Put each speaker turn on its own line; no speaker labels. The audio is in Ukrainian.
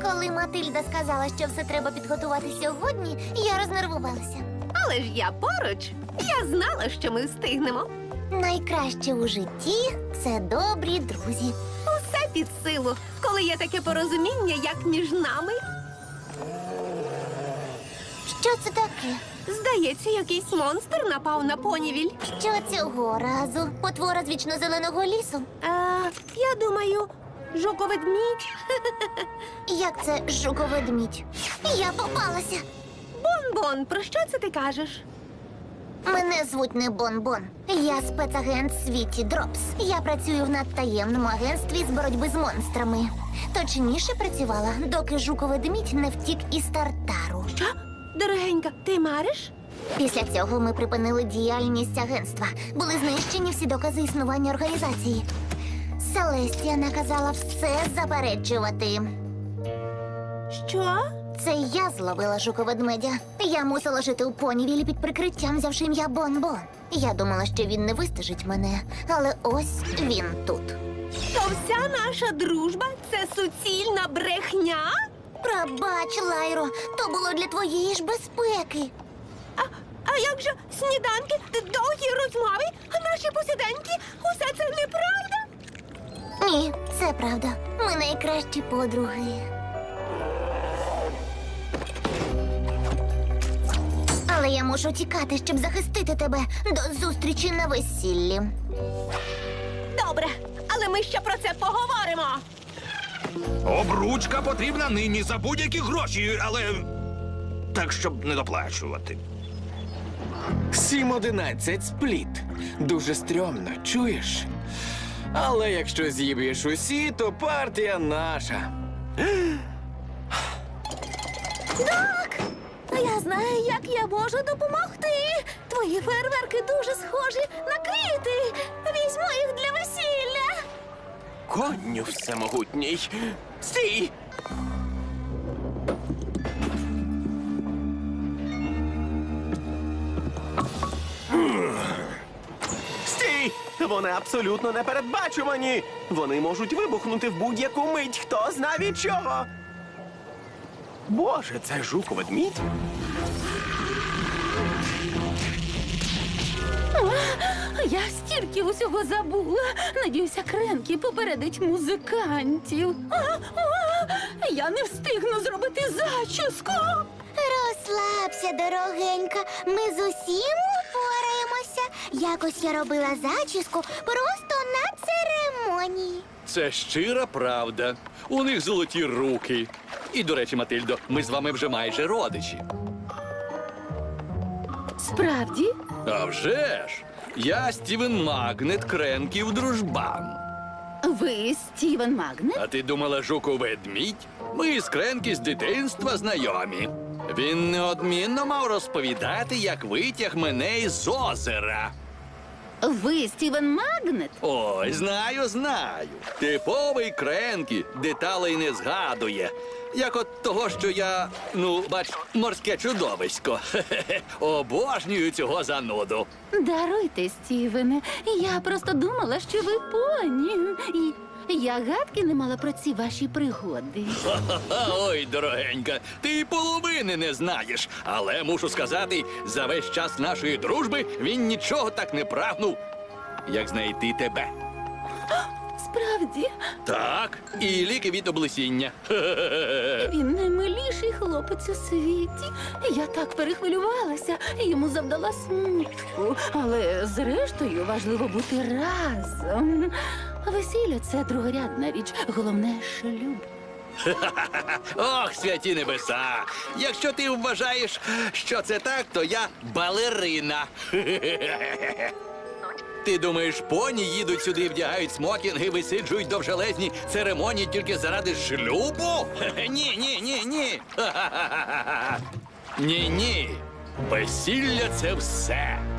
Коли Матильда сказала, що все треба підготувати сьогодні, я рознервувалася.
Але ж я поруч. Я знала, що ми встигнемо.
Найкраще у житті – це добрі друзі.
Усе під силу, коли є таке порозуміння, як між нами.
Що це таке?
Здається, якийсь монстр напав на понівіль.
Що цього разу? Потвора з вічно-зеленого лісу?
Я думаю, жуковедмідь.
Як це жуковедмідь? Я попалася.
Бон-бон, про що це ти кажеш?
Мене звуть не Бон-Бон. Я спецагент Світі Дропс. Я працюю в надтаємному агентстві з боротьби з монстрами. Точніше працювала, доки жуковедмідь не втік із Тартару.
Що? Дорогенька, ти мариш?
Після цього ми припинили діяльність агентства. Були знищені всі докази існування організації. Селестія наказала все заперечувати.
Що?
Це я зловила жуковедмедя. Я мусила жити у понівілі під прикриттям, взявши ім'я Бон-Бон. Я думала, що він не вистежить мене, але ось він тут.
То вся наша дружба – це суцільна брехня?
Пробач, Лайро, то було для твоєї ж безпеки.
А як же сніданки, довгі розмови, наші посиденьки – усе це неправда?
Ні, це правда. Ми найкращі подруги. Але я мушу тікати, щоб захистити тебе до зустрічі на весіллі.
Добре, але ми ще про це поговоримо.
Обручка потрібна нині за будь-які гроші, але так, щоб не доплачувати.
7-11 спліт. Дуже стрьомно, чуєш? Але якщо з'їб'єш усі, то партія наша.
Я знаю, як я можу допомогти. Твої фейерверки дуже схожі на квіти. Візьму їх для весілля.
Конню всемогутній. Стій!
Стій! Вони абсолютно непередбачувані. Вони можуть вибухнути в будь-яку мить. Хто зна від чого? Боже, це жуковедмідь?
Я стільки усього забула. Надіюся, Кренкі попередить музикантів. Я не встигну зробити зачіску.
Розслабся, дорогенька. Ми з усім упораємося. Якось я робила зачіску просто на церемонії.
Це щира правда. У них золоті руки. І, до речі, Матильдо, ми з вами вже майже родичі.
Справді?
А вже ж! Я Стівен Магнет, Кренків дружбан.
Ви Стівен Магнет?
А ти думала, жуковедмідь? Ми з Кренкі з дитинства знайомі. Він неодмінно мав розповідати, як витяг мене із озера.
Ви Стівен Магнет?
Ой, знаю. Типовий Кренкі, деталей не згадує. Як от того, що я, бач, морське чудовисько. Обожнюю цього зануду.
Даруйте, Стівене. Я просто думала, що ви поні. І я гадки не мала про ці ваші пригоди.
Ой, дорогенька, ти й половини не знаєш. Але мушу сказати, за весь час нашої дружби він нічого так не прагнув, як знайти тебе.
Справді,
Так, і ліки від облесіння.
він наймиліший хлопець у світі. Я так перехвилювалася, йому завдала смутку. Але зрештою важливо бути разом. Весілля – це другорядна річ, головне – шлюб.
Ох, святі небеса! Якщо ти вважаєш, що це так, то я балерина. Ти думаєш, поні їдуть сюди, вдягають смокінги, висиджують довжелезні церемонії тільки заради шлюбу? Ні. Ні. Весілля – це все.